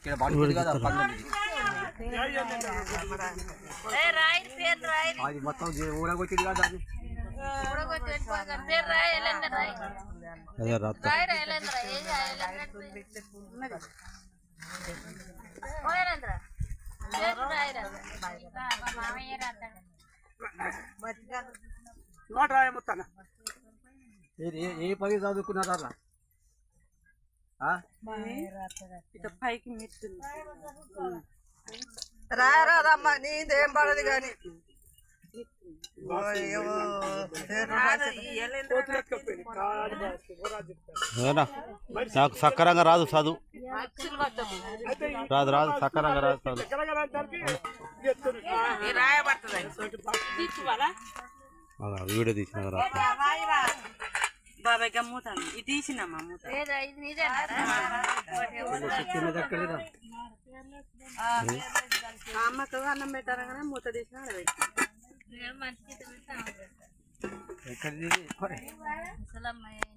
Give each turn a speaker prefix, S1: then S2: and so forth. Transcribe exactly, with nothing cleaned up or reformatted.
S1: ఇక్కడ పడుతుంది కదా అది మొత్తం ఊరగొచ్చింది కదా అది
S2: అదే రాత్రి
S1: ఏ పది చదువుకున్నారా
S3: పైకి రారాదమ్మా నీదేం పడదు కానీ
S2: నాకు సక్కరంగా రాదు చదువు రాదు రాదు సక్కరంగా రాదు చదువు వీడియో తీసిన
S3: బాబాయ్ గమ్ముతాను ఇది తీసినమ్మా అమ్మకు అన్నం పెట్టారా కానీ మూత తీసిన
S1: ఎక్కడ